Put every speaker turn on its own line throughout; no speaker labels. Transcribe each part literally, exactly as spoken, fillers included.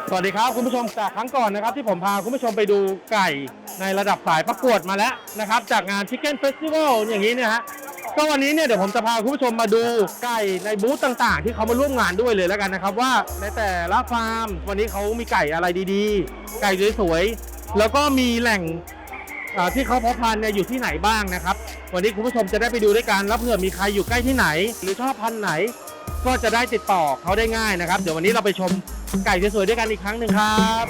สวัสดีครับคุณผู้ชมจากครั้งก่อนนะครับที่ผมพาคุณผู้ชมไปดูไก่ในระดับสายประกวดมาแล้วนะครับจากงาน Chicken Festival อย่างนี้เนี่ยฮะก็วันนี้เนี่ยเดี๋ยวผมจะพาคุณผู้ชมมาดูไก่ในบูธต่างๆที่เขามาร่วมงานด้วยเลยแล้วกันนะครับว่าในแต่ละฟาร์มวันนี้เขามีไก่อะไรดีๆไก่สวยๆแล้วก็มีแหล่งที่เขาเพาะพันธุ์เนี่ยอยู่ที่ไหนบ้างนะครับวันนี้คุณผู้ชมจะได้ไปดูด้วยกันแล้วเผื่อมีใครอยู่ใกล้ที่ไหนหรือชอบพันธุ์ไหนก็จะได้ติดต่อเขาได้ง่ายนะครับเดี๋ยววันนี้เราไปชมไก่สวยๆด้วยกันอีกครั้งหนึ่งครับ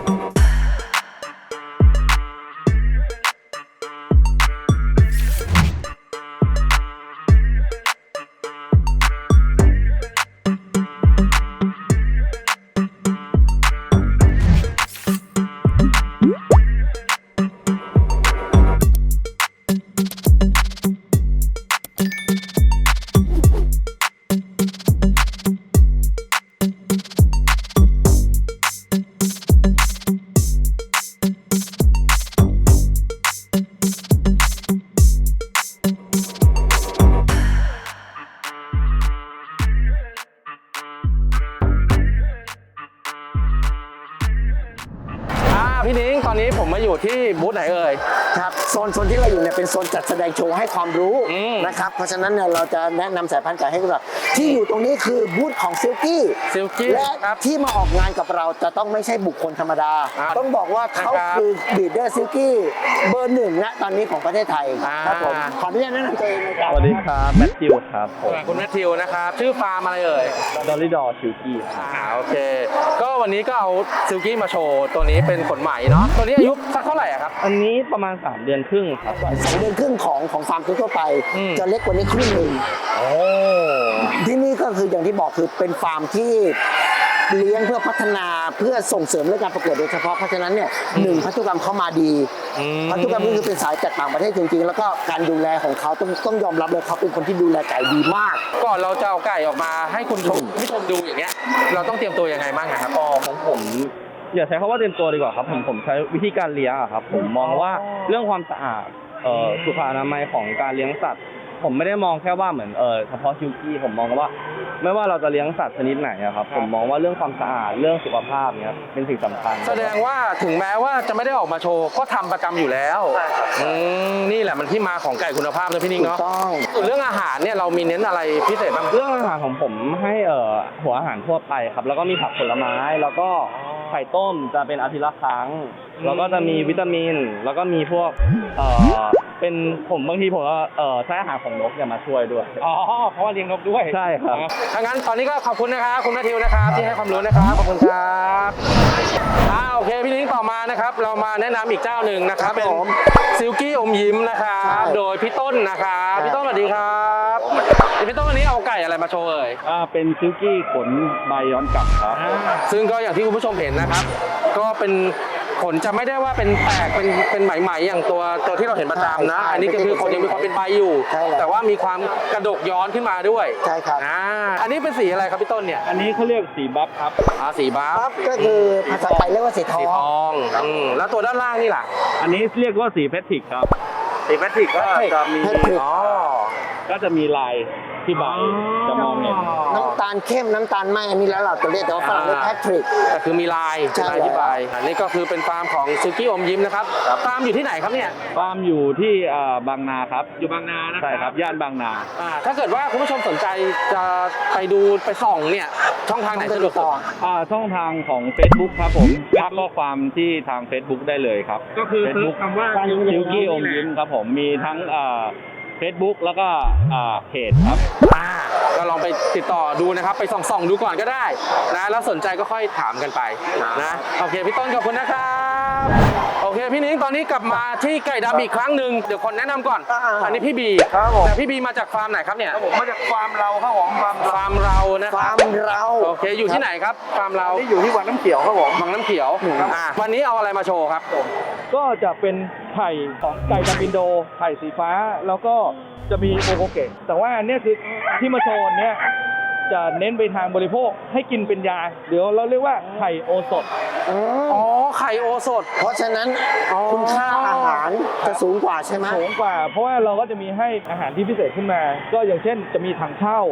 พี่นิ้งตอนนี้ผมมาอยู่ที่บูธไหนเอ่ย
ครับโซนโซนที่เราอยู่เนี่ยเป็นโซนจัดแสดงโชว์ให้ความรู้นะครับเพราะฉะนั้นเนี่ยเราจะแนะนำสายพันธุ์ไก่ให้ดูแบบที่อยู่ตรงนี้คือบูธของซิลกี้
ซิลกี้
และที่มาออกงานกับเราจะต้องไม่ใช่บุคคลธรรมดาต้องบอกว่าเขาคือบีดเดอร์ซิลกี้เบอร์หนึ่งณตอนนี้ของประเทศไทยครับผมขออนุญาตแนะนำตัวเองนะครับ
สวัสดีครับแมทธิวครับผม
คุณแมทธิวนะครับชื่อฟาร์มอะไรเอ่ย
ดอลลี่ดอซิลกี้
อ่าโอเคก็วันนี้ก็เอาซิลกี้มาโชว์ตัวนี้เป็นขนไหมเนาะตัวนี้อายุสักเท่าไหร่ครับ
อันนี้ประมาณสามเดือนครึ่งครับ
สองเดือนครึ่งของของฟาร์มทั่วไปจะเล็กกว่านี้ครึ่งหนึ่ง
โอ้
ที่นี่ก็คืออย่างที่บอกคือเป็นฟาร์มที่เลี้ยงเพื่อพัฒนาเพื่อส่งเสริมเรื่องการประกวดโดยเฉพาะเพราะฉะนั้นเนี่ยหนึ่งพันธุกรรมเข้ามาดีพันธุกรรมนี่คือเป็นสายจากต่างประเทศจริงๆแล้วก็การดูแลของเขาต้องต้องยอมรับเลยเขาเป็นคนที่ดูแลไก่ดีมาก
ก่อนเราจะเอาไก่ออกมาให้คุณชมผู้ชมดูอย่างเงี้ยเราต้องเตรียมตัวยังไงบ้างครับ
อ๋อของผมอย่าใช้คำว่าเตรียมตัวดีกว่าครับผมผมใช้วิธีการเลี้ยงครับผมมองว่าเรื่องความสะอาดสุขอนามัยของการเลี้ยงสัตว์ผมไม่ได้มองแค่ว่าเหมือนเออเฉพาะซิลกี้ผมมองว่าไม่ว่าเราจะเลี้ยงสัตว์ชนิดไหนครับผมมองว่าเรื่องความสะอาดเรื่องสุขภาพเนี่ยเป็นสิ่งสำคัญ
แสดงว่าถึงแม้ว่าจะไม่ได้ออกมาโชว์ก็ทำประจำอยู่แล้ว
ใช่ครับ
นี่แหละมันที่มาของไก่คุณภาพเลยพี่นิ้งเนาะ
ต้อง
เรื่องอาหารเนี่ยเรามีเน้นอะไรพิเศษบ้าง
เรื่องอาหารของผมให้เอ่อหัวอาหารทั่วไปครับแล้วก็มีผักผลไม้แล้วก็ไข่ต้มจะเป็นอาทิตย์ละครั้งแล้วก็จะมีวิตามินแล้วก็มีพวกเอ่อเป็นผมบางทีผมก็เอ่อใช้อาหารของนกเนี่ยมาช่วยด้วย
อ๋อเพราะว่าเลี้ยงนกด้วย
ใช่ครับ
ถ้างั้นตอนนี้ก็ขอบคุณนะครับคุณแมทธิวนะครับที่ให้ความรู้นะครับขอบคุณครับอ่าโอเคพี่นิ้งต่อมานะครับเรามาแนะนำอีกเจ้าหนึ่งนะครับเป็นซิลกี้อมยิ้มนะครับโดยพี่ต้นนะครับพี่ต้นสวัสดีครับพี่ต้นวันนี้เอาไก่อะไรมาโชว์เอ่ย
อ่าเป็นซิลกี้ขนใบย้อนกลับครับ
ซึ่งก็อย่างที่คุณผู้ชมเห็นนะครับก็เป็นขนจะไม่ได้ว่าเป็นแตกเป็นเป็นไหมๆอย่างตัวตัวที่เราเห็นประจำนะอันนี้ก็คือขนยังมีความเป็นใบอยู่แต่ว่ามีความกระดกย้อนขึ้นมาด้วย
ใช่ครับ
อ่าอันนี้เป็นสีอะไรครับพี่ต้นเนี่ย
อันนี้เขาเรียกสีบัฟครับ
อ่าสีบัฟ
ก็คือภาษาไทยเรียกว่าสีทอง
สีทองอืมแล้วตัวด้านล่างนี่ล่ะ
อันนี้เรียกว่าสีแพทริกครับสีแพทริกก็จะมี
อ๋อ
ก็จะมีลายที่ใบจะมองเห็น
น้ำตาลเข้มน้ำตาลไหมอันนี้แล้วเราจะเรียกแต่ว่าฝรั่งเรียกแพทริก
แต่คือมีลายลายที่ใบอันนี้ก็คือเป็นฟาร์มของซิลกี้อมยิ้มนะครับฟาร์มอยู่ที่ไหนครับเนี่ย
ฟาร์มอยู่ที่บางนาครับ
อยู่บางนานะ
ใช่ครับย่านบางนา
ถ้าเกิดว่าคุณผู้ชมสนใจจะไปดูไปส่องเนี่ยช่องทางไหนสะดวกสุด
ช่องทางของ Facebook ครับผมทักข้อความที่ทาง Facebook ได้เลยครับ
ก็คือ Facebook คำว่า
ซิลกี้อมยิ้มครับผมมีทั้งเฟซบุ๊กแล้วก็เพจครับ
ก็ลองไปติดต่อดูนะครับไปส่องๆดูก่อนก็ได้นะแล้วสนใจก็ค่อยถามกันไปนะโอเคพี่ต้นขอบคุณนะครับโอเคพี่นิ้งตอนนี้กลับมาที่ไก่ดำอีกครั้งหนึ่งเดี๋ยวคนแนะนำก่อนอันนี้พี่บีแต่พี่บีมาจากฟาร์มไหนครับเนี่ย
ผมมาจากฟาร์มเราครับผมฟาร์ม
ฟาร์มเรานะ
ฟาร์มเรา
โอเคอยู่ที่ไหนครับฟาร์มเรา
ที่อยู่ที่วังน้ำเขียวครับผม
วังน้ำเขียววันนี้เอาอะไรมาโชว์ครับ
ก็จะเป็นไข่ของไก่ดำอินโดไข่สีฟ้าแล้วก็จะมีโอโกเกะแต่ว่าอันนี้คือที่มาโชว์เนี่ยจะเน้นไปทางบริโภคให้กินเป็นยาเดี๋ยวเราเรียกว่าไข่โอสถ
อ๋อไข่โอสถ
เพราะฉะนั้นคุณค่าอาหารจะสูงกว่าใช่ไหม
สูงกว่าเพราะว่าเราก็จะมีให้อาหารที่พิเศษขึ้นมาก็อย่างเช่นจะมีถังเช่า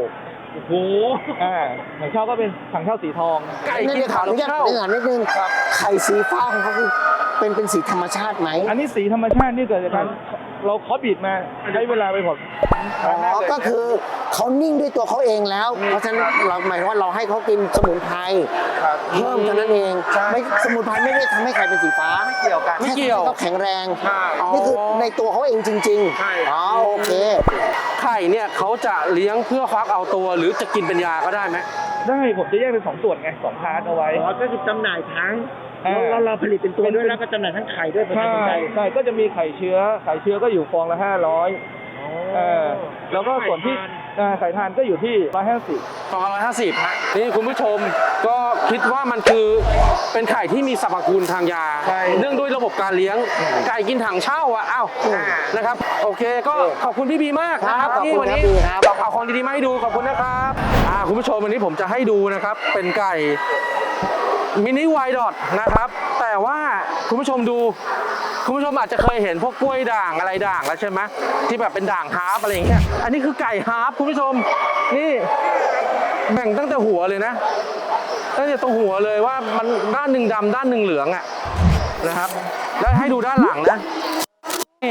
โอ้โห
อ่าถังเช่าก็เป็นถังเช่าสีทอง
ไก่
นี่
กิน
เดี๋ยวขอ
ถั
อง นุญาต
เช่า
เรื่องนิดนึงไข่สีฟ้าของเขาคือเป็นเป็นสีธรรมชาติไหม
อันนี้สีธรรมชาตินี่เกิดจากการเราเคาะบีดมาใช้เวลาไปผล
อ๋อก็คือเขานิ่งด้วยตัวเขาเองแล้ว เพราะฉะนั้นเราหมายถึงว่าเราให้เขากินสมุนไพรเพิ่มเท่านั้นเองไม่สมุนไพรไม่ได้ทำให้ไข่เป็นสีฟ้า
ไม่เกี่ยวกัน
ไม่เกี่ยวเขาแข็งแรง
ใช่
นี่คือในตัวเขาเองจริง
ใช่
ๆอ๋อโอเค
ไข่เนี่ยเขาจะเลี้ยงเพื่อฟักเอาตัวหรือจะกินเป็นยาก็ได้ไหม
ได้ผมจะแยกเป็นสองส่วนไงสองพาร์ทเอาไว้
อ๋อก็คือจำหน่ายทั้ง
อ่า
แล้วเราผลิตเป็นตัวด้วยแล้วก็จำหน่ายทั้งไข่ด้วยเป็น
ใช่
คนไทย
ใช่ก็จะมีไข่เชื้อไข่เชื้อก็อยู่ฟองละห้าร้อยเออแล้วก็ส่วนที่อ่าไข่ทานก็อยู่ที่ร้อยห้าสิบ
สองร้อยห้าสิบนี่คุณผู้ชมก็คิดว่ามันคือเป็นไข่ที่มีสรรพคุณทางยา เนื่องด้วยระบบการเลี้ยงไก่กินถังเช่าอ่ะอ้าวนะครับโอเคก็ขอบคุณพี่บีมากนะครับ
ครับ
ที่วันนี้
ขอบคุณครับ
เอาของดีๆมาให้ดูขอบคุณนะครับอ่าคุณผู้ชมวันนี้ผมจะให้ดูนะครับเป็นไก่มินิไวดอทนะครับแต่ว่าคุณผู้ชมดูคุณผู้ชมอาจจะเคยเห็นพวกกล้วยด่างอะไรด่างแล้วใช่ไหมที่แบบเป็นด่างฮาร์ปอะไรอย่างเงี้ยอันนี้คือไก่ฮาร์ปคุณผู้ชมนี่แบ่งตั้งแต่หัวเลยนะตั้งแต่ตรงหัวเลยว่ามันด้านหนึ่งดำด้านหนึ่งเหลืองอ่ะนะครับแล้วให้ดูด้านหลังนะนี่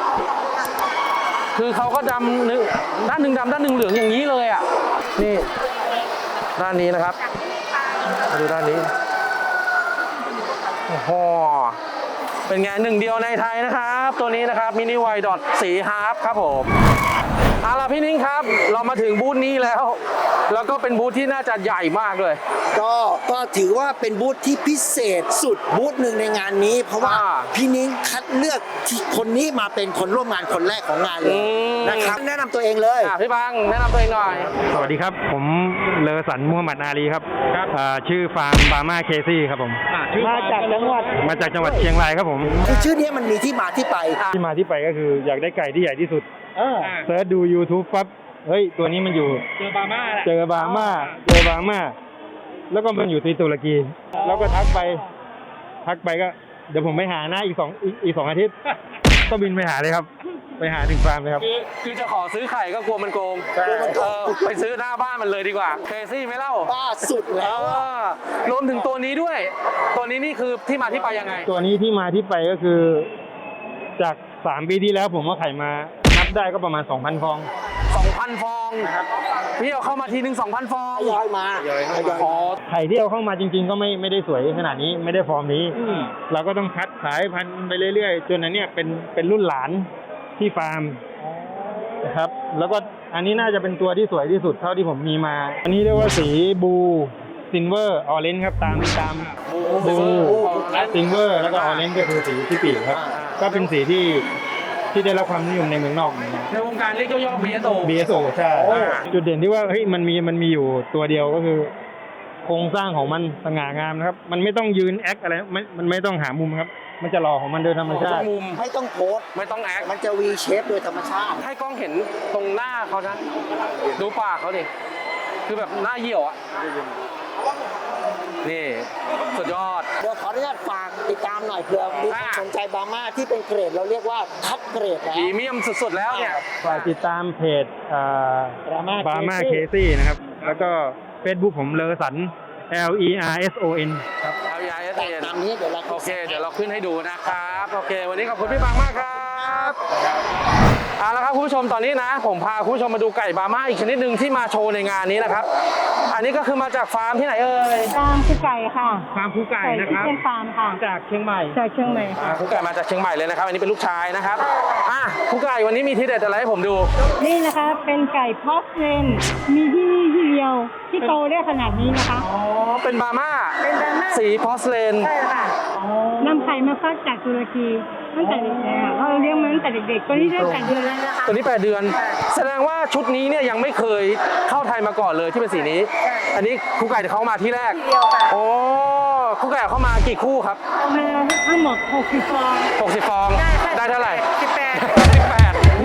คือเขาก็ดำหนึ่งด้านหนึ่งดำด้านหนึ่งเหลืองอย่างนี้เลยอ่ะนี่ด้านนี้นะครับมาดูด้านนี้โอ้โหเป็นไงหนึ่งเดียวในไทยนะครับ ตัวนี้นะครับมินิไวดอทสีฮาร์ปครับผมเอาล่ะพี่นิ้งครับ เรามาถึงบูธนี้แล้ว แล้วก็เป็นบูธที่น่าจะใหญ่มากเลย
ก็ก็ถือว่าเป็นบูธที่พิเศษสุดบูธหนึ่งในงานนี้ เพราะว่า
อ่า
พี่นิ้งคัดเลือกที่คนนี้มาเป็นคนร่วมงานคนแรกของงานเลย
อืม
นะครับแนะนำตัวเองเลย
อ่ะพี่บังแนะนำตัวเองหน่อย
สวัสดีครับ ผมเลอสันมูฮัมหมัดอาลีครับอ่าชื่อฟาร์มบาม่าเคซี่ครับผม
มาจากจังหวัด
มาจากจังหวัดเชียงรายครับผม
คือชื่อนี้มันมีที่มาที่ไป
ที่มาที่ไปก็คืออยากได้ไก่ที่ใหญ่ที่สุด
เออ
เซิร์ชดู YouTube ปั๊บเฮ้ย ตัวนี้มันอยู่
เจอบาม่าแหละ
เจอบาม่าเจอบาม่าแล้วก็มันอยู่ที่ตุรกี แล้วก็ทักไป ทักไปก็ เดี๋ยวผมไปหานะอีกสองอีกอีกสองอาทิตย์ ก็บินไปหาเลยครับ ไปหาถึงฟาร์มเลยครับ
คือคือจะขอซื้อไข่ก็กลัวมันโกงเออไปซื้อหน้าบ้านมันเลยดีกว่าเคซี่ไหมเล่า
บ้าสุด
เอ
แล้วอะ
อรวมถึงตัวนี้ด้วย ตัวนี้นี่คือที่มาที่ไปยังไง
ตัวนี้ที่มาที่ไปก็คือ จากสามปีที่แล้วผมว่าไข่มานับได้ก็ประมาณสองพันฟอง
สองพัน ฟองพี่เอาเข้ามาทีหนึ่งสองพัน ฟอง
ทยอยมาทยอย
อ๋อ
ไข่ที่เอาเข้ามาจริง ๆ ก็ไม่ไม่ได้สวยขนาดนี้ไม่ได้ฟอร์มนี้ เราก็ต้องคัดสายพันธุ์ไปเรื่อยๆ จนอันเนี้ยเป็นเป็นรุ่นหลานที่ฟาร์มนะครับ แล้วก็อันนี้น่าจะเป็นตัวที่สวยที่สุดเท่าที่ผมมีมา อันนี้เรียกว่าสีบูซินเวอร์ออเรนจ์ครับตามตามบูซินเวอร์แล้วก็ออเรนจ์ก็คือสีที่ปีกครับ ก็เป็นสีที่ที่ได้รับความนิยมในเมืองนอกเหมือนกัน
ในวงการเรียกย่อๆ บี เอส โอ
บี เอส โอ ใช่ จุดเด่นที่ว่าเฮ้ยมันมีมันมีอยู่ตัวเดียวก็คือ โครงสร้างของมันสง่างามนะครับ มันไม่ต้องยืนแอคอะไรมันมันไม่ต้องหามุมครับ มันจะหล่อของมันโดยธรรมชา
ทุ
ติ
กมุม
ไม่ต้องโพสต์
ไม่ต้องแอค
มันจะ V shape โดยธรรมชาติ
ให้กล้องเห็นตรงหน้าเขานะ ดูปากเขาดิ คือแบบหน้าเหี่ยวอ่ะ นี่ สุดยอด
เดี๋ยวขออนุญาตฝากติดตามหน่อยเผื่อมีคนสนใจบาม่าที่เป็นเกรดเราเรียกว่าคัดเกรดแล้ว
พรีเมียมสุดๆแล้วเนี่ย
ฝากติดตามเพจบา
Brahma
ม่า
Casey
เคซี่นะครับ แล้วก็ Facebook ผมเลอสัน L E R S O N
เอายาเอส
แต่
เอ็น
ตามนี้เดี๋ยวเรา
โอเค เดี๋ยวเราขึ้นให้ดูนะครับ โอเค วันนี้ขอบคุณพี่บางมากครับเอาละครับคุณผู้ชมตอนนี้นะ ผมพาคุณผู้ชมมาดูไก่บาม่าอีกชนิดหนึ่งที่มาโชว์ในงานนี้นะครับ อันนี้ก็คือมาจากฟาร์มที่ไหนเอ่ย
ฟาร์มคือไก่ค่ะ
ฟาร์มคูไก่
ไก่
นะ
ที่
ครับ
เป็นฟาร์มค่ะ
จากเชียงใหม่
จากเชียงใหม่
อ่า
ค่ะ
ครูไก่มาจากเชียงใหม่เลยนะครับ อันนี้เป็นลูกชายนะครับอ่ะครูไก่วันนี้มีทีเด็ดอะไรให้ผมดู
นี่นะคะเป็นไก่พอสเลนมีที่นี่ที่เดียวที่โตได้ขนาดนี้นะคะ
อ๋อ เป็นบาม่า
เป็นบาม่า
สีพอสเลน
ใช่ค่ะนำไข่มาฟักจากตุรกีตั้งแต่เด็กๆค่ะเราเลี้ยงมาตั้งแต่เด็กๆตัวนี้ได้แปดเดือนแล้วนะคะ
ตัวนี้แปดเดือน แสดงว่าชุดนี้เนี่ยยังไม่เคยเข้าไทยมาก่อนเลยที่เป็นสีนี้ อันนี้ครูไก่เขามาที่แรก
เดียวค่ะ
โอ้ครูไก่เข้ามากี่คู่ครับ
เอามาทั้งหมดหกสิบฟอง
หกสิบฟอง ได้เท่าไหร่
สิบแปด
สิบแปดนี่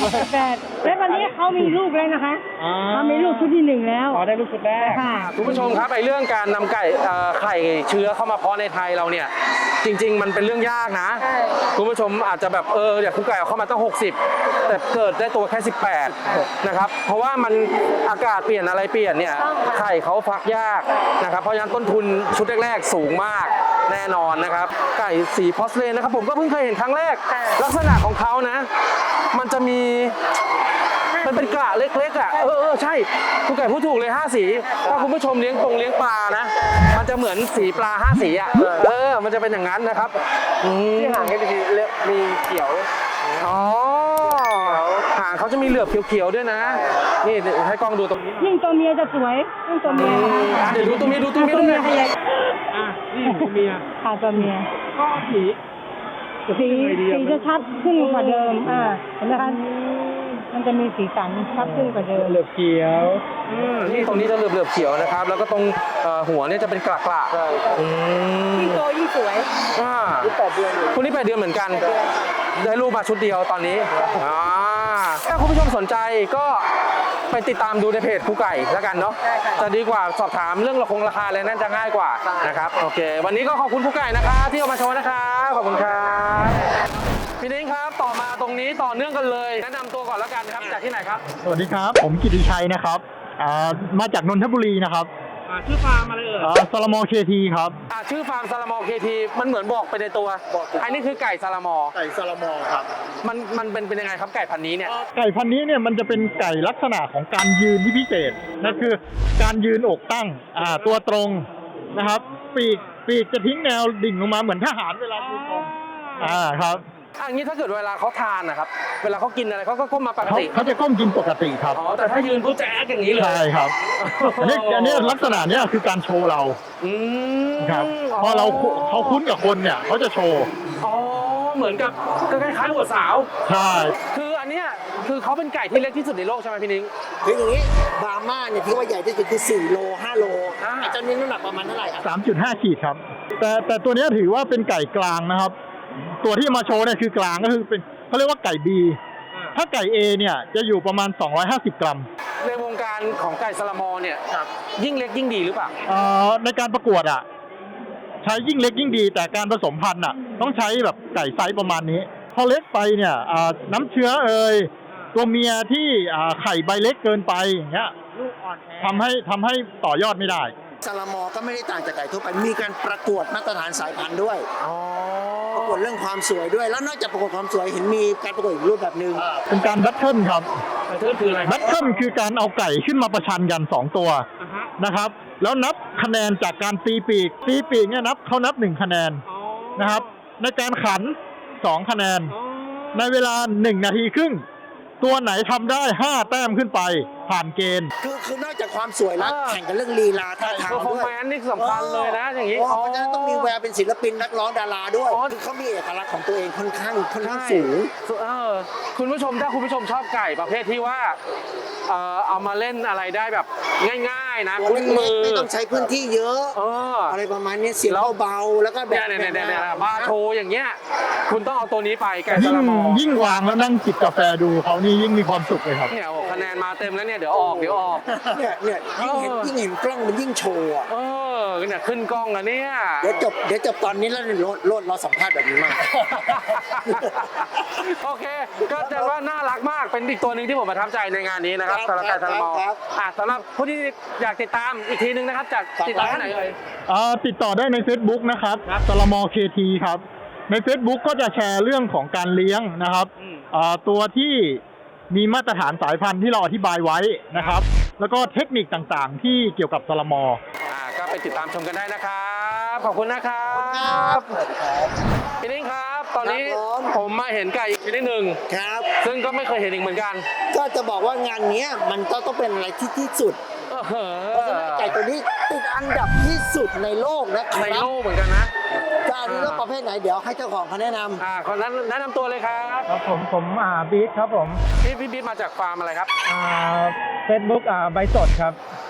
แปดแล้วตอนนี้เขามีลูกแล้วนะคะ
อ่า
เขามีลูกชุดที่หนึ่งแล้ว
อ๋อได้ลูกชุดแรก
ค่ะ
คุณผู้ชมครับไอ้เรื่องการนำไก่เอ่อไข่เชื้อเข้ามาเพาะในไทยเราเนี่ยจริง ๆ มันเป็นเรื่องยากนะ
ใช่
คุณผู้ชมอาจจะแบบเอออยากคุกไก่เอาเข้ามาตั้งหกสิบแต่เกิดได้ตัวแค่สิบแปดนะครับเพราะว่ามันอากาศเปลี่ยนอะไรเปลี่ยนเนี่ยไข่เขาฟักยากนะครับเพราะฉะนั้นต้นทุนชุดแรกๆสูงมากแน่นอนนะครับไก่สีพอสเลนนะครับผมก็เพิ่งเคยเห็นครั้งแรก ลักษณะของเขานะ มันจะมีมันเป็นกระเล็กๆอ่ะเออเออใช่คุณไก่พูดถูกเลยห้าสีถ้าคุณผู้ชมเลี้ยงปงเลี้ยงปลานะ มันจะเหมือนสีปลาห้าสีอ่ะเออมันจะเป็นอย่างนั้นนะครับอืม
ที่ห่างกันทีมีเขียว
อ๋อหางเขาจะมีเหลือบเขียวๆด้วยนะ นี่เดี๋ยวให้กล้องดูตรงนี้
ยิ่งตัวเมียจะสวยยิ่งตัวเมียนะคะ
อ่ะเดี๋ยวดูตัวเมียดูตัวเมีย
ตัว
ด้วย
เมียขยาย
อ่ะนี่ตัวเมีย
ค่ะตัวเมีย
ก็สี
สีสีจะชัดขึ้นกว่าเดิม อ่า เห็นไหมคะ มันจะมีสีสันชัดขึ้นกว่าเดิม
เหลือบเขียว
อืมนี่ตรงนี้จะเหลือบๆเขียวนะครับ แล้วก็ตรงเอ่อหัวเนี่ยจะเป็นกระกระๆอืม
ยิ่งโตยิ่งสวย
อ่าแปดเดือนคุณนี่แปดเดือนเหมือนกัน ได้รูปมาชุดเดียวตอนนี้อ่าถ้าคุณผู้ชมสนใจก็ไปติดตามดูในเพจครูไก่แล้วกันเนาะ จะดีกว่าสอบถามเรื่องราคงราคาอะไรนั่นจะง่ายกว่านะครับ โอเค วันนี้ก็ขอบคุณครูไก่นะครับที่เอามาโชว์นะครับขอบคุณครับพี่นิ้งครับ ต่อมาตรงนี้ต่อเนื่องกันเลย แนะนำตัวก่อนแล้วกันครับ จากที่ไหนครับ
สวัสดีครับ ผมกิติชัยนะครับอ่ามาจากนนทบุรีนะครับ
อ่าชื่อฟาร์มอะไรเอ่ย
อ่าซาลามอเคทีครับ
อ่าชื่อฟาร์มซาลามอเคทีมันเหมือนบอกไปในตัวอันนี้คือไก่ซาลามอ
ไก่ซาลามอครับ
มันมันเป็นเป็นยังไงครับไก่พันธุ์นี้เนี่ย
ไก่พันธุ์นี้เนี่ยมันจะเป็นไก่ลักษณะของการยืนที่พิเศษนั่นคือการยืนอกตั้งอ่าตัวตรงนะครับ ปีกปีกจะทิ้งแนวดิ่งลงมาเหมือนทหารเวลายืนตรงอ่าครับ
อันนี้ถ้าเกิดเวลาเขาทานนะครับ เวลาเขากินอะไรเขาก็ก้มมาปก
เขา
ติ
เขาจะก้มกินปกติครับ
อ๋อ แต่ถ้ายืนปุ๊บจะแอ๊กอย่างนี้เลย
ใช่ครับอันนี้อันนี้ลักษณะเนี้ยคือการโชว์เรา
อืม
ครับพอเราเขาคุ้นกับคนเนี่ยเขาจะโชว์
อ๋อ เหมือนกับก็คล้ายๆหัวสาว
ใช่
คืออันเนี้ยคือเขาเป็นไก่ที่เล็กที่สุดในโลกใช่ไหมพี่นิ้ง
คืออย่างนี้บราม่าเนี่ยที่ว่าใหญ่ที่สุดคือสี่โลห้าโล
อ่า
ไอ้เจ้านี้น้ำหนักประมาณเท่าไหร่ครับ
สามจุดห้าขีดครับ แต่แต่ตัวเนี้ยถือว่าเป็นไก่กลางนะครับ ตัวที่มาโชว์เนี่ยคือกลางก็คือเป็นเขาเรียกว่าไก่ B ถ้าไก่ A เนี่ยจะอยู่ประมาณสองร้อยห้าสิบกรัม
ในวงการของไก่ซาลามอเนี่ยยิ่งเล็กยิ่งดีหรือเปล่า
เอ่อในการประกวดอ่ะใช้ยิ่งเล็กยิ่งดี แต่การผสมพันธุ์อ่ะต้องใช้แบบไก่ไซส์ประมาณนี้ พอเล็กไปเนี่ยอ่าน้ำเชื้อเอ่ยตัวเมียที่อ่าไข่ใบเล็กเกินไปอย่างเงี้ยทำให้ทำให้ต่อยอดไม่ได้
ซาลามอก็ไม่ได้ต่างจากไก่ทั่วไป มีการประกวดมาตรฐานสายพันธุ์ด้วย ประกวดเรื่องความสวยด้วย แล้วนอกจากประกวดความสวยเห็นมีการประกวดอีกรูปแบบหนึ่ง
เป็นการแบทเทิลครับ
มันคืออะไร
แบทเทิลคือการเอาไก่ขึ้นมาประชันกันสองตัวนะครับ แล้วนับคะแนนจากการตีปีก ตีปีกเนี่ยนับเขานับหนึ่งคะแนนนะครับ ในการขันสองคะแนน ในเวลาหนึ่งนาทีครึ่ง ตัวไหนทำได้ห้าแต้มขึ้นไปผ่านเกณฑ์
คือคือนอกจากความสวยแล้วแข่งกันเรื่องลีลาท่าทาง
เพอร์ฟอ
ด้
ร์
วย
แมนซ์นี่สำคัญเลยนะอย่างนี้
นี้เพราะฉะนั้นต้องมีแววเป็นศิลปินนักร้องดาราด้วย
อ๋อ
คือเขามีเอกลักษณ์ของตัวเองค่อนข้างค่อนข้าง
ใช่
สูง
เออคุณผู้ชมถ้าคุณผู้ชมชอบไก่ประเภทที่ว่าเออเอามาเล่นอะไรได้แบบง่ายๆนะ
ตัว
คุ้น
เล็
มื
ก
อ
ๆไม่ต้องใช้พื้นที่เยอะ
เออ
อะไรประมาณนี้เสียงเบาๆแล้วก็แบ
เนี่ย
บ
เนี่ยเนี่ยเนี่ย
แบบ
บาร์โชว์อย่างเงี้ยคุณต้องเอาตัวนี้ไปไก่
ยิ่
ซาง ลามอ
ยิ่งวางแล้วนั่งจิบกาแฟดูเขานี่ยิ่งมีความสุขเลยครับ
เนี่ยโอ้คะแนนมาเต็มแล้วเนี่ยเดี๋ยวออกเดี๋ยวออก
เนี่ยเนี่ยยิ่งเห็น
เออ
ยิ่งเห็นกล้องมันยิ่งโชว์อะ
เออเนี่ยขึ้นกล้องแล้วเนี่ย
เดี๋ยวจบเดี๋ยวจบตอนนี้แล้วโลดโลดเราสัมภาษณ์แบบนี้มาก
โอเค ก็แต่ว่าน่ารักมากเป็นอีกตัวหนึ่งที่ผมประทับใจในงานนี้นะครับ
ครับ
สำหรับไก่ซาลามอ
ครับ
อ่ะสำหรับผู้ที่อยากติดตามอีกทีนึงนะครับจากติดตามที่ไหนเอ่ย
อ่าติดต่อได้ใน Facebook นะครับซาลามอเคทีครับ ใน Facebook ก็จะแชร์เรื่องของการเลี้ยงนะครับ
อืม
อ่าตัวที่มีมาตรฐานสายพันธุ์ที่เราอธิบายไว้นะครับ แล้วก็เทคนิคต่างๆ ที่เกี่ยวกับซาลามอ
อ่าก็ไปติดตามชมกันได้นะครับ ขอบคุณนะครับ พี่นิ้งครับ ตอนนี้
ครับผม
ผมมาเห็นไก่อีกชนิดหนึ่ง
ครับ
ซึ่งก็ไม่เคยเห็นอีกเหมือนกัน
ก็จะบอกว่างานเนี้ยมันก็ต้องเป็นอะไรที่ที่สุด
เออ
เพราะฉะนั้นไก่ตัวนี้ติดอันดับที่สุดในโลกนะค
ใน
รับ
โลกเหมือนกันนะ
จะอันนี้เรื่องประเภทไหนเดี๋ยวให้เจ้าของเขาแนะนำ
อ่าคนนั้นแนะนำตัวเลยครับ
ครับผมผมอ่าบีทครับผม
พี่พี่บิ๊กมาจากฟาร์มอะไรครับ
อ่าเฟซบุ๊กอ่าใบสดครับ
ฟ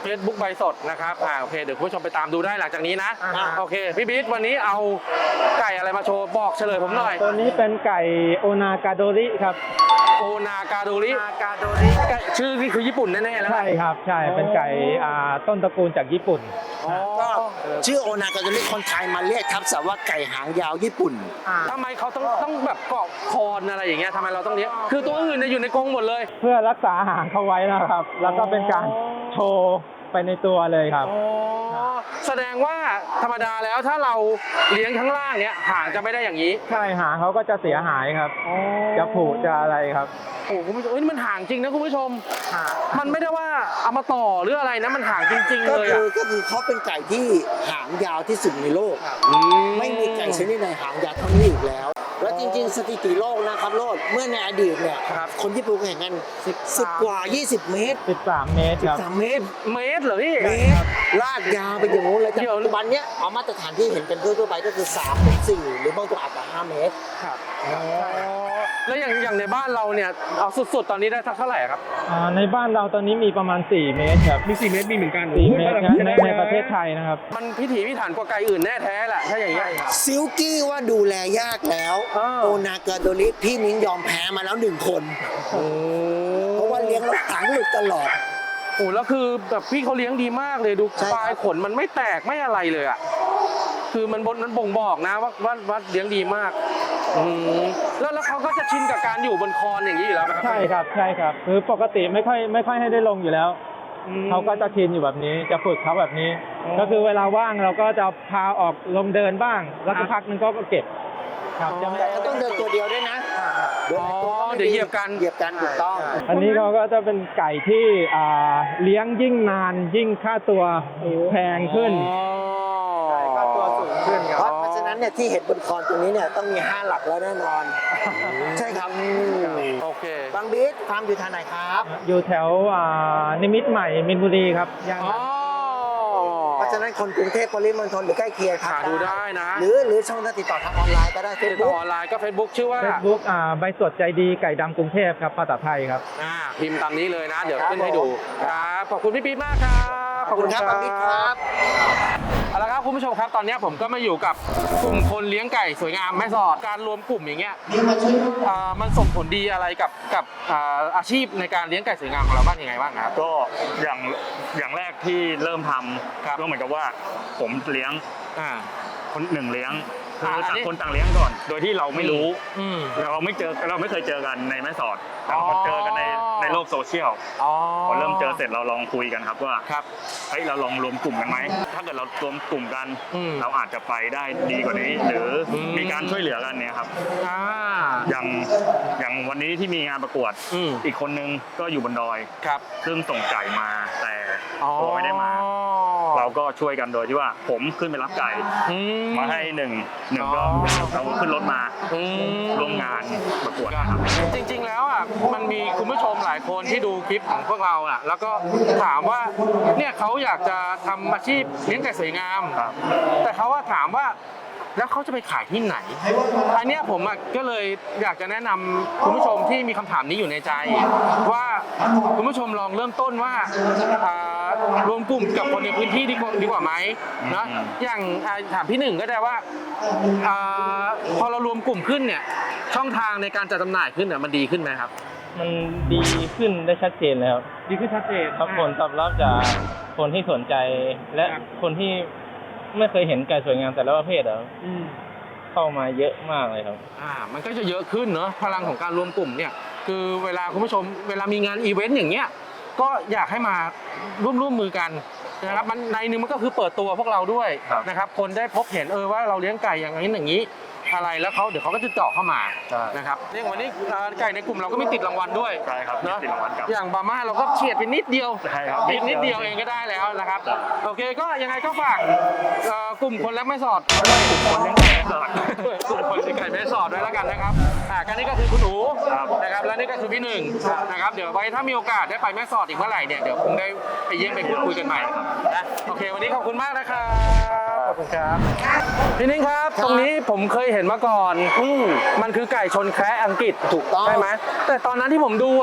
Facebook ใบสดนะครับอ่าโอเคเดี๋ยวคุณผู้ชมไปตามดูได้หลังจากนี้นะ
อ่า
โอเคพี่บิ๊กวันนี้เอาไก่อะไรมาโชว์บอกเฉลยผมหน่อย
ตัวนี้เป็นไก่โอนากาโดริครับ
โอนากาโดริ
อากาโดริ
ไก่ชื่อนี่คือญี่ปุ่นแน่ๆแล้ว
ใช่ครับใช่เป็นไก่อ่าต้นตระกูลจากญี่ปุ่น
อ๋อ
ก็ชื่อโอนากาโดริคนไทยมาเรียกทับศัพท์ว่าไก่หางยาวญี่ปุ่น
ทำไมเขาต้องต้องแบบเกาะคอนอะไรอย่างเงี้ยทำไมเราต้องเลี้ยงคือตัวอื่นเนี่ยอยู่ในกรงหมดเลย
เพื่อรักษาหางเขาไว้นะครับ แล้วก็เป็นการโชว์ไปในตัวเลยครับ
อ๋อแสดงว่าธรรมดาแล้วถ้าเราเลี้ยงข้างล่างเนี้ยหางจะไม่ได้อย่างนี้
ใช่หางเขาก็จะเสียหายครับ จะผุจะอะไรครับ
โอ้คุณผู้ชมเอ้ยนี่มันห่างจริงนะคุณผู้ชม มันไม่ได้ว่าเอามาต่อหรืออะไรนะมันห่างจริง ๆ
ก็
เลย
คื
อ่ะ
อก็คือเขาเป็นไก่ที่หางยาวที่สุดในโลก ไม่มีไก่ชนิดไหนหางยาวเท่านี้อีกแล้ว แล้วจริงๆ สถิติโลกนะครับโลดเมื่อในอดีตเนี่ย
ครับ
คนญี่ปุ่นแข่งกันสิบกว่า ยี่สิบ เมตร
สิบสาม เมตรครับ
สามเมตร
เมตรเหรอพี่
เมตรลากยาวไปอย่างงู้นเลยแต่
เดี๋ยว
ปัจจุบันเนี้ยเอามาตรฐานที่เห็นกันทั่วๆไปก็คือสามถึงสี่หรือบางตัวอาจจะห้าเมตร
ครับแล้วอย่างอย่างในบ้านเราเนี่ยเอาสุดๆตอนนี้ได้สักเท่าไหร่ครับ
อ่าในบ้านเราตอนนี้มีประมาณ สี่ เมตรครับ
มีสี่เมตรมีเหมือนกัน
สี่เมตรครับในในประเทศไทยนะครับ
มันพิถีพิถันกว่าไก่อื่นแน่แท้แหละถ้าอย่างเงี้ย
ซิลกี้ว่าดูแลยากแล้ว
อ้าว
โอนากาโดริพี่นิ้งยอมแพ้มาแล้วหนึ่งคน
โอ้
เพราะว่าเลี้ยงแล้วหางหลุดตลอด
โหแล้วคือแบบพี่เขาเลี้ยงดีมากเลยดู
ใช่ครับ
ปลายขนมันไม่แตกไม่อะไรเลยอ่ะคือมันบนมันบ่งบอกนะว่าว่าว่าเลี้ยงดีมากอืมแล้วแล้วเขาก็จะชินกับการอยู่บนคอนอย่างนี้อยู่แล้วไหมครับ
ใช่ครับใช่ครับคือปกติไม่ค่อยไม่ค่อยให้ได้ลงอยู่แล้ว
อืม
เขาก็จะชินอยู่แบบนี้จะฝึกเขาแบบนี้
อ๋อ
ก็คือเวลาว่างเราก็จะพาออกลงเดินบ้าง แล้วก็พักนึงก็เก็บครับจะไม่
แต่ก็ต้องเดินตัวเดียวด้วยนะเดิน
อ๋อ
ตัวก็ไม่
เดี๋ยวเหยียบกัน
เหยียบกันถูกต้อง
อันนี้เขาก็จะเป็นไก่ที่อ่าเลี้ยงยิ่งนานยิ่งค่าตัวแพงขึ้น
ค่าตัวสูงขึ้นค
เพ
รับ
ราะเพราะฉะนั้นเนี่ยที่เห็นบนคอนตรงนี้เนี่ยต้องมีห้าหลักแล้วแน่นอน ใช่ครับ
โอเค
บางบีทฟาร์มอยู่ทางไหนครับ
อยู่แถวอ่านิมิตรใหม่มินบุรีครับย่าน
อ๋อ
เพราะฉะนั้นคนกรุงเทพปริมณฑลหรือใกล้เคียงครับ
หาดูได้นะ
หรือหรือช่องทางติดต่อทางออนไลน์ก็ได้เฟ
ติ
ซ
ดต่อ
บุ๊ก
ออนไลน์ก็ Facebook ชื่อว่า
เฟซบุ๊กอ่าใบสดใจดีไก่ดำกรุงเทพครับภาษาไทยครับ
อ่าพิมพ์ตามนี้เลยนะ เดี๋ยว
ครับ
ขึ้นให้ดูครับขอบคุณพี่ปี๊ดมากครับ
ขอบคุณครับบางบีทครับ
เอาละครับคุณผู้ชมครับตอนนี้ผมก็มาอยู่กับกลุ่มคนเลี้ยงไก่สวยงามแม่สอดการรวมกลุ่มอย่างเงี้ยอ่ามันส่งผลดีอะไรกับกับอ่าอาชีพในการเลี้ยงไก่สวยงามของเราบ้างยังไงบ้างครับ
ก็อย่างอย่างแรกที่เริ่มท
ครับ
ำก็เหมือนกับว่าผมเลี้ยง
อ่า
คนหนึ่งเลี้ยงคือ
อ่าอัน
ต่าง
นี้
คนต่างเลี้ยงก่อน โดยที่เราไม่รู้
อืม
เราไม่เจอเราไม่เคยเจอกันในแม่สอดแต่
อ๋อ
พอเจอกันในในโลกโซเชียล
อ๋อ
พอเริ่มเจอเสร็จเราลองคุยกันครับว่า
ครับ
เฮ้ยเราลองรวมกลุ่มกันไหมถ้าเกิดเรารวมกลุ่มกัน
อืม
เราอาจจะไปได้ดีกว่านี้ หรืออ
ม
มีการช่วยเหลือกันเนี่ยครับ
อ่า
อย่างอย่างวันนี้ที่มีงานประกวด
อืม
อีกคนนึงก็อยู่บนดอย
ครับ
ซึ่งส่งไก่มาแต่
อ๋อ
ตัวไม่ได้มา เราก็ช่วยกันโดยที่ว่าผมขึ้นไปรับไก่
อื
มาให้หนึ่งหนึ่งก็
อ๋อ
เราขึ้นรถมา
อืม
ร่วมงานประกวดนะครับ
จริงๆ แล้วอ่ะมันมีคุณผู้ชมหลายคนที่ดูคลิปของพวกเราอ่ะแล้วก็ถามว่าเนี่ยเขาอยากจะทำอาชีพเลี้ยงไก่สวยงาม
ครับ
แต่เขาว่าถามว่าแล้วเขาจะไปขายที่ไหน อันเนี้ยผมอ่ะก็เลยอยากจะแนะนำคุณผู้ชมที่มีคำถามนี้อยู่ในใจ ว่าคุณผู้ชมลองเริ่มต้นว่าอ่ารวมกลุ่มกับคนในพื้นที่ดีกว่าดีกว่าไหมนะ
อืม
อย่างอ่าถามพี่หนึ่งก็ได้ว่าอ่าพอเรารวมกลุ่มขึ้นเนี่ยช่องทางในการจัดจำหน่ายขึ้นเนี่ยมันดีขึ้นไหมครับ
มันดีขึ้นได้ชัดเจนเลยครับ
ดีขึ้นชัดเจน
ครับผลตอบรับจากคนที่สนใจและ
ครับ
คนที่ไม่เคยเห็นไก่สวยงามแต่ละประเภทอะ
อืม
เข้ามาเยอะมากเลยครับ
อ่ามันก็จะเยอะขึ้นเนอะพลังของการรวมกลุ่มเนี่ยคือเวลาคุณผู้ชมเวลามีงานอีเวนต์อย่างเงี้ยก็อยากให้มาร่วมร่วมมือกันนะครับมันในหนึงมันก็คือเปิดตัวพวกเราด้วย
ครับ
นะครับคนได้พบเห็นเออว่าเราเลี้ยงไก่อย่างนี้อย่างนี้อะไรแล้วเขาเดี๋ยวเขาก็จะเจาะเข้ามา
ใช่
นะครับเนี่ยวันนี้อ่าไก่ในกลุ่มเราก็มีติดรางวัลด้วย
ใช่ครับมี
เนอะ
ติดรางวัลกับ
อย่างบาม่าเราก็เฉียดไปนิดเดียว
ใช่ครับ
นิดนิดเดียวเองก็ได้แล้วนะครับ
ครับ
โอเคก็ยังไงก็ฝากเอ่อกลุ่มคนรักแม่สอด
คนเลี้ยงไก่แม่สอด
กลุ่มคนเลี้ยงไก่แม่สอดด้วยแล้วกันนะครับอ่ากันนี้ก็คือคุณหนู
ครับ
นะครับและนี่ก็คือพี่หนึ่งนะครับเดี๋ยวไว้ถ้ามีโอกาสได้ไปแม่สอดอีกเมื่อไหร่เนี่ยเดี๋ยวคงได้ไปเยี่ยมไปพูดคุยกันใหม่นะโอเค วันนี้ขอบคุณมากนะครับขอบคุณครับพี่นิ่งครับ ตรงนี้ผมเคยเห็นมาก่อน
อืม
มันคือไก่ชนแคระอังกฤษ
ถูกต้อง
ใช่ไหมแต่ตอนนั้นที่ผมดูอ่ะ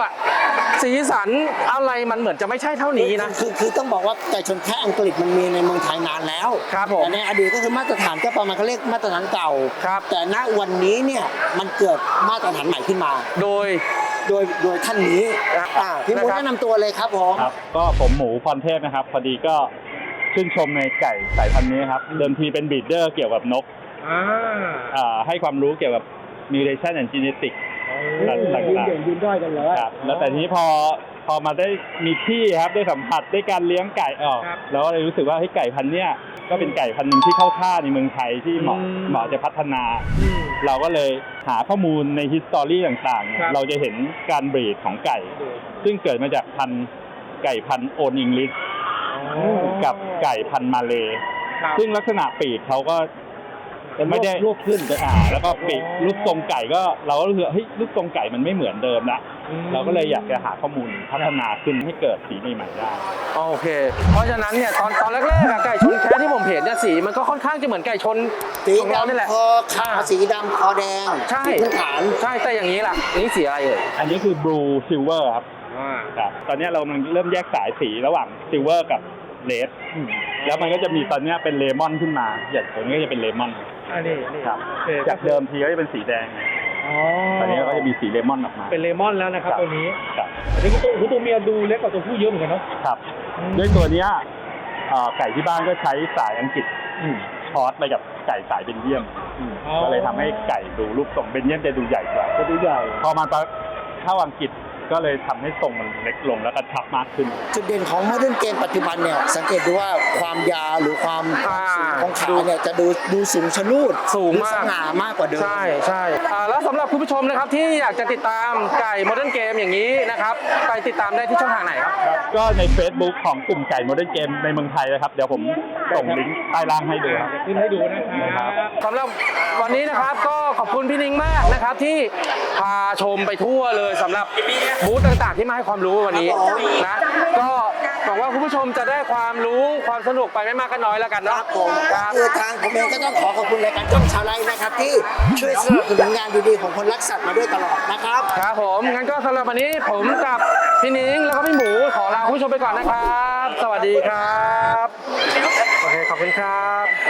สีสันอะไรมันเหมือนจะไม่ใช่เท่านี้นะ
คือคือต้องบอกว่าไก่ชนแคะอังกฤษมันมีในเมืองไทยนานแล้ว
ครับผม
แต่ในอดีตก็คือมาตรฐานก็ประมาณเขาเรียกมาตรฐานเก่า
ครับ
แต่ณวันนี้เนี่ยมันเกิดมาตรฐานใหม่ขึ้นมา
โดย
โดยโดยท่านนี้
ครับ
อ่าพี่หมู
นะครับ
แนะนำตัวเลยครับผม
ครับก็ผมหมูพรเทพนะครับ พอดีก็ชื่นชมในไก่สายพันธุ์นี้ครับ เดิมทีเป็นบีดเดอร์เกี่ยวกับนก
อ่า
อ่าให้ความรู้เกี่ยวกับ mutation and genetics ต่าง
ยืน
ๆ
เด่นยืนด้อยกันเลย
ครับแล้วแต่ทีนี้พอพอมาได้มีที่ครับได้สัมผัสได้การเลี้ยงไก่ออก
ครับ
แล้วก็เลยรู้สึกว่าเฮ้ยไก่พันธุ์เนี้ยก็เป็นไก่พันธุ์หนึ่งที่เข้าท่าในเมืองไทยที่เหมาะ
อืม
เหมาะจะพัฒนา เราก็เลยหาข้อมูลในฮิสตอรี่ต่างๆเนี่ย
ครับ
เราจะเห็นการบรีดของไก่ ซึ่งเกิดมาจากพันธุ์ไก่พันธุ์โอนอิงลิสกับไก่พันธุ์มาเลย์
ครับ
ซึ่งลักษณะปีกเขาก็ไม่ได้
ลวกขึ้น
อ่าแล้วก็ปีกรูปทรงไก่ก็เราก็รู้สึกว่าเฮ้ยรูปทรงไก่มันไม่เหมือนเดิมละเราก็เลยอยากจะหาข้อมูลพัฒนาขึ้นให้เกิดสีใหม่ๆได้
โอเค เพราะฉะนั้นเนี่ยตอนตอนแรกๆอะไก่ชนแคะที่ผมเห็นเนี่ยสีมันก็ค่อนข้างจะเหมือนไก่ชน
สี
ของเรานี่แหละ
ดำคอขาวสีดำคอแดง
ใช่
ที่พื้นฐาน
ใช่แต่อย่างนี้ล่ะอันนี้สีอะไรเอ่ย
อันนี้คือ blue silver ครับครับตอนนี้เรากำลังเริ่มแยกสายสีระหว่าง silver กับ red แล้วมันก็จะมีตอนนี้เป็นเลมอนขึ้นมาอย่างตัวนี้ก็จะเป็นเลมอน
อันนี้นี่
ครับจากเดิมทีก็จะเป็นสีแดง
อ๋อ
ตอนนี้ก็จะมีสีเลมอนออกมา
เป็นเลมอนแล้วนะครับ
ครับ
ตัวนี้
ครับ
อันนี้ตัวตัวเมียดูเล็กกว่าตัวผู้เยอะเหมือนกันเนาะ
ครับด้วยตัวเนี้ยเอ่อไก่ที่บ้านก็ใช้สายอังกฤษชอร์ตไปกับไก่สายเบนเยียมก็เลยทำให้ไก่ดูรูปทรงเบนเยียมจะดูใหญ่กว่า
จะดูใหญ่
พอมาเข้าอังกฤษก็เลยทำให้ทรงมันเล็กลงแล้วก็ชับมากขึ้น
จุดเด่นของโมเดิร์นเกมปัจจุบันเนี่ยสังเกตดูว่าความยาวหรือความ
อ่า
สูงของขาเนี่ยจะดูดูสูงชะลูด
สูง
ดู
มาก
สง่ามากกว่าเดิม
ใช่ใช่อ่าแล้วสำหรับคุณผู้ชมนะครับที่อยากจะติดตามไก่โมเดิร์นเกมอย่างนี้นะครับไปติดตามได้ที่ช่องทางไหนครับ
ก็ใน Facebook ของกลุ่มไก่โมเดิร์นเกมในเมืองไทยนะครับ เดี๋ยวผมส่งลิงก์ใต้ล่างให้ดูครับ
ขึ้นให้ดูนะครับสำหรับวันนี้นะครับก็ขอบคุณพี่นิ้งมากนะครับที่พาชมไปทั่วเลยสำหรับบูธต่างๆที่มาให้ความรู้วันนี้นะก็หวังว่าคุณผู้ชมจะได้ความรู้ความสนุกไปไม่มากก็น้อยแล้วกัน
ค
เนาะ
รับผม
ครับ
คือทางผมเองก็ต้องขอขอบคุณรายการช่องชาวไร่นะครับที่ช่วยสนับสนุนงานดีๆของคนรักสัตว์มาด้วยตลอดนะครับ
ครับผมงั้นก็สำหรับวันนี้ผมกับพี่นิ้งแล้วก็พี่หมูขอลาคุณผู้ชมไปก่อนนะครับ สวัสดีครับโอเคขอบคุณครับ